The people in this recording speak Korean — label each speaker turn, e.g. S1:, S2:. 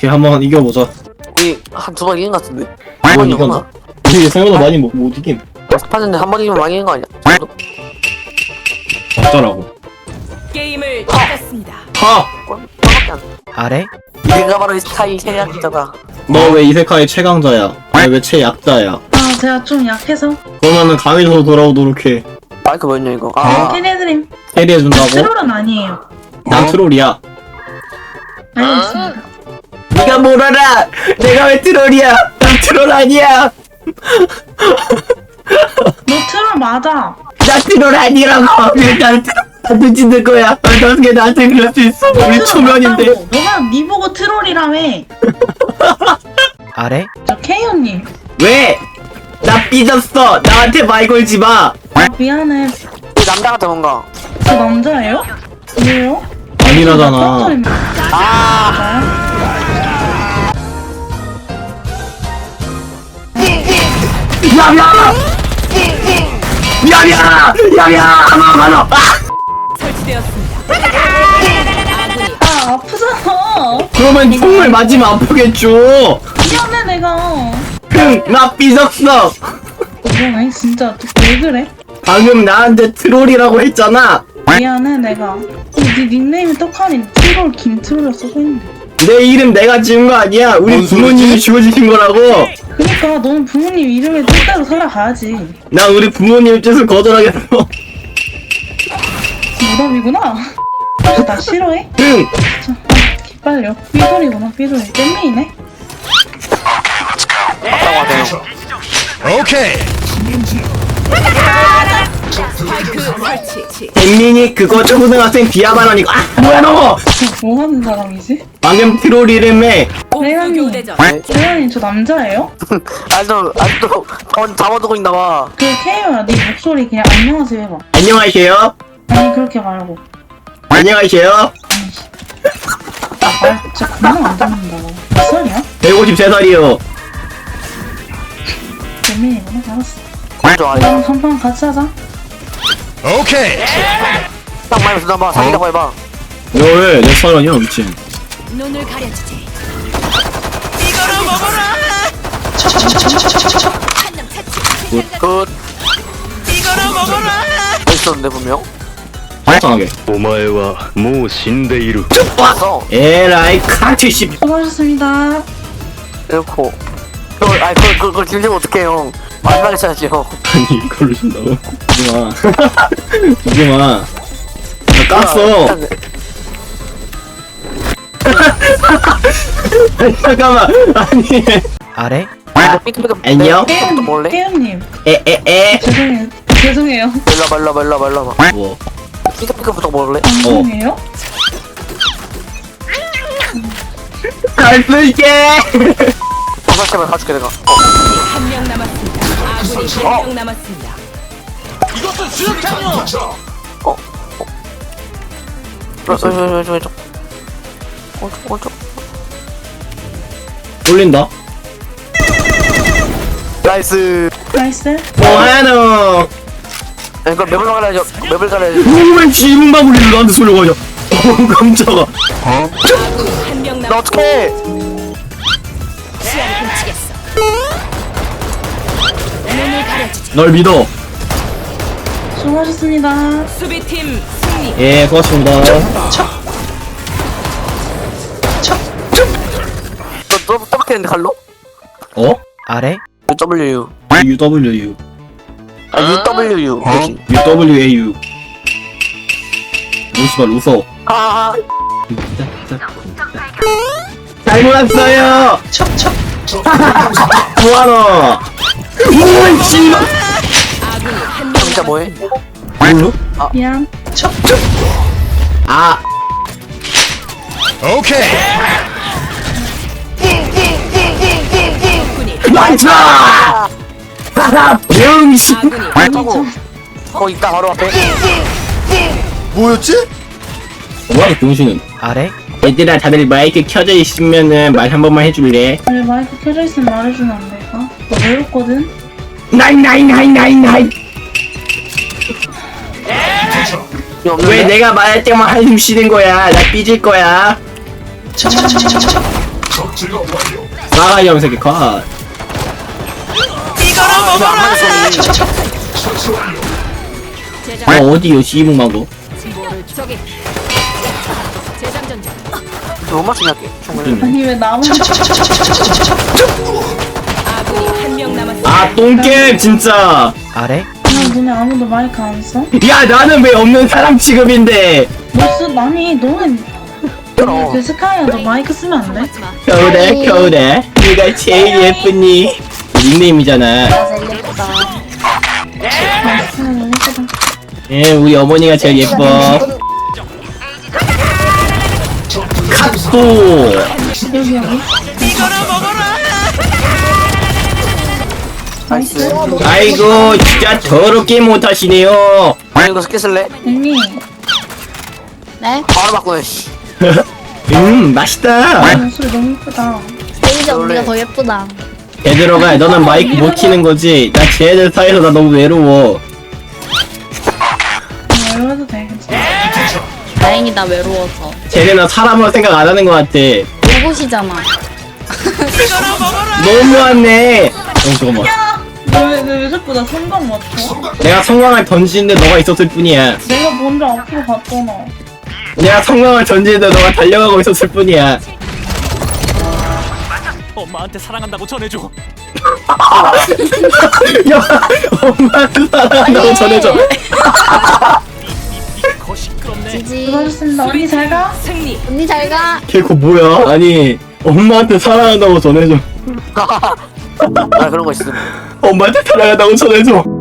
S1: 오케이 한번 이겨보자.
S2: 우리 한 두 번 이긴 것 같은데.
S1: 한 번
S2: 이겼나?
S1: 이겼나? 이게 생각보다 많이 못 이김.
S2: 스파전데 한 번 이기면 많이 이긴 거 아니야?
S1: 어쩌라고.
S3: 게임을 시작했습니다.
S1: 하!
S2: 하나밖에 안 돼.
S4: 아래?
S2: 내가 바로 이 스타일 최약자다.
S1: 너 왜 이세카의 최강자야? 왜 최약자야?
S5: 아, 제가 좀 약해서.
S1: 그러면은 강의로 돌아오도록 해.
S2: 마이크 뭐였냐 이거? 아,
S5: 캐리해드림.
S1: 캐리해준다고?
S5: 트롤은 아니에요.
S1: 난 트롤이야.
S5: 알겠습니다.
S1: 네가 뭘 알아! 내가 왜 트롤이야! 난 트롤 아니야!
S5: 너 트롤 맞아.
S1: 나 트롤 아니라고! 왜 나를 트롤 짓는 거야? 어떻게 나한테 그럴 수 있어? 우리
S5: 트롤
S1: 초면인데.
S5: 맞다고. 너가 니 보고 트롤이라며.
S4: 아래?
S5: 저 케이언님.
S1: 왜? 나 삐졌어! 나한테 말 걸지 마!
S5: 아, 미안해.
S2: 이 남자 같아 뭔가.
S5: 저 남자예요? 왜요?
S1: 아니라잖아.
S2: 아,
S1: 야야! 야야! 야야! 하나!
S3: 설치되었습니다.
S5: 아, 아프잖아.
S1: 그러면 총을 맞으면 아프겠죠?
S5: 미안해, 내가.
S1: 나 삐졌어!
S5: 미안해, 진짜. 왜 그래?
S1: 방금 나한테 트롤이라고 했잖아!
S5: 미안해, 내가. 네 닉네임이 떡하니 트롤 김트롤이라 써져있는데.
S1: 내 이름 내가 지은 거 아니야! 우리 부모님이 지어주신 거라고!
S5: 그니까 너는 부모님 이름에 뜻대로 살아가야지.
S1: 난 우리 부모님 뜻을 거절하겠어!
S5: 무덤이구나. 나 싫어해?
S1: 응!
S5: 자, 기빨려. 삐돌이구나, 삐돌이. 잼민이네?
S2: 맞다고 하세요.
S3: 스파이크 설치.
S1: 잼민이 그거 초등학생 비하발언이고 아! 뭐야 너!
S5: 뭐 하는 사람이지?
S1: 방금 트롤 이름에
S3: 공수 교대전.
S5: 재현님, 저 남자예요?
S2: 아직도 잡아두고 있나봐.
S5: 그 케이오야, 네 목소리 그냥 안녕하세요 해봐.
S1: 안녕하세요?
S5: 아니, 그렇게 말고.
S1: 안녕하세요?
S5: 말 진짜 그냥 안 듣는다고. 몇 살이야?
S1: 153살이요.
S5: 잼민이구나, 알았어.
S2: 좋아.
S5: 그럼 한판 같이 하자.
S2: 딱 말면 주나봐. 사귀자고 해봐.
S1: 왜? 내 사랑이야 미친.
S3: 눈을 가려주지.
S2: 굿. 있었는데 분명.
S1: 빨리
S6: お前はもう死んでいる。
S2: 왔어.
S1: 에라이 카트씨.
S5: 수고하셨습니다.
S2: 이렇고. 그걸 들리면 어떡해요. 마지막에 쳐야지요.
S1: 아니 이걸로 준다고? 주지마. 주지마. 나 깠어. 잠깐만. 아니.
S4: 아래?
S1: 안녕?
S2: 또 몰래?
S5: 케이오님,
S1: 에에에.
S5: 죄송해요.
S2: 말라봐.
S1: 뭐?
S2: 삐까삐까부터 몰래?
S5: 방송이에요?
S1: 잘 쓸게.
S2: 버섯집을 가줄게 내가.
S3: 한 명 남았습니다. 아군이 한 명 남았습니다.
S2: 왼쪽. 오른쪽.
S1: 돌린다.
S2: 나이스.
S5: 나이스.
S1: 뭐하노?
S2: 이거 맵을 가려야죠. 맵을 가려야죠.
S1: 왜 지문만 울리는 나한테 쏠려가냐? 깜짝아.
S3: 한 명
S2: 나
S3: 남았습니다.
S2: 어떡해.
S3: 시야를 훔치겠어. 눈을 가려주지.
S1: 널 믿어.
S5: 수고하셨습니다.
S3: 수비팀 승리.
S1: 예, 고맙습니다.
S2: 너 떠박했는데 갈로?
S1: 어?
S4: 아래?
S2: UW.
S1: UWU.
S2: UWU. 그치.
S1: UWAU. 루시발 웃어.
S2: 아,
S1: 잘 몰랐어요. 뭐하노? 오이 씨발.
S3: 아군이 한 명
S2: 진짜 뭐해?
S1: 뭘로?
S5: 미안.
S1: 아.
S3: 군이
S1: 많다. 병신.
S3: 아군이
S2: 하고. 거기 있다 바로 앞에.
S7: 뭐였지?
S1: 뭐야 병신은?
S4: 아래?
S1: 얘들아 다들 마이크 켜져 있으면은 말 한 번만 해줄래?
S5: 원래 마이크 켜져 있으면 말해주면 안 될까? 나 외롭거든?
S1: 나인. 왜 내가 말할 때만 한숨 쉬는 거야? 나 삐질 거야. 싸가지 없는 새끼 컷. 어디요 시봉망고?
S3: 저기. 재장전 중.
S2: 못 맞추냐 충분히.
S5: 아니 왜 나만
S3: 아군이 한 명 남았습니다.
S1: 아 똥겜 진짜.
S2: 아래?
S5: 너네 아무도 마이크 안 써?
S1: 야 나는 왜 없는 사람 취급인데?
S5: 아니 너는 그 스카이야도 마이크 쓰면 안 돼?
S1: 겨울에 겨울에 네가 제일 예쁘니. 닉네임이잖아. 예 우리 어머니가 제일 예뻐. 갓도.
S5: 여기
S2: 나이스.
S1: 아이고 진짜 더럽게 못하시네요.
S2: 아니 이거 스킬 쓸래?
S5: 언니
S4: 네?
S2: 바로 바꾸네 씨.
S1: 맛있다.
S5: 목소리 너무 예쁘다.
S4: 세이지 언니가 더 예쁘다.
S1: 얘들아가 너는 마이크 못 키는 거지. 나 쟤들 사이에서 나 너무 외로워.
S5: 외로워도 돼 괜찮아.
S4: 다행이다 외로워서.
S1: 쟤네는 사람으로 생각 안 하는 것 같아.
S4: 로봇이잖아.
S1: 너무하네. 잠깐만.
S5: 왜 자꾸 나 성광 맞춰?
S1: 내가 성광을 던지는데 너가 있었을 뿐이야.
S5: 내가 먼저 앞으로 갔잖아.
S1: 내가 성광을 던지는데 너가 달려가고 있었을 뿐이야.
S7: 엄마한테 사랑한다고 전해줘.
S1: 야, 엄마한테 사랑한다고 전해줘.
S7: 거 시끄럽네.
S4: 지지.
S5: 수고하셨습니다. 언니 잘 가.
S3: 승리.
S4: 언니 잘 가.
S1: 걔그 뭐야? 아니, 엄마한테 사랑한다고 전해줘.
S2: 아 그런 거 있음.
S1: 엄마한테 사랑한다고 전해줘.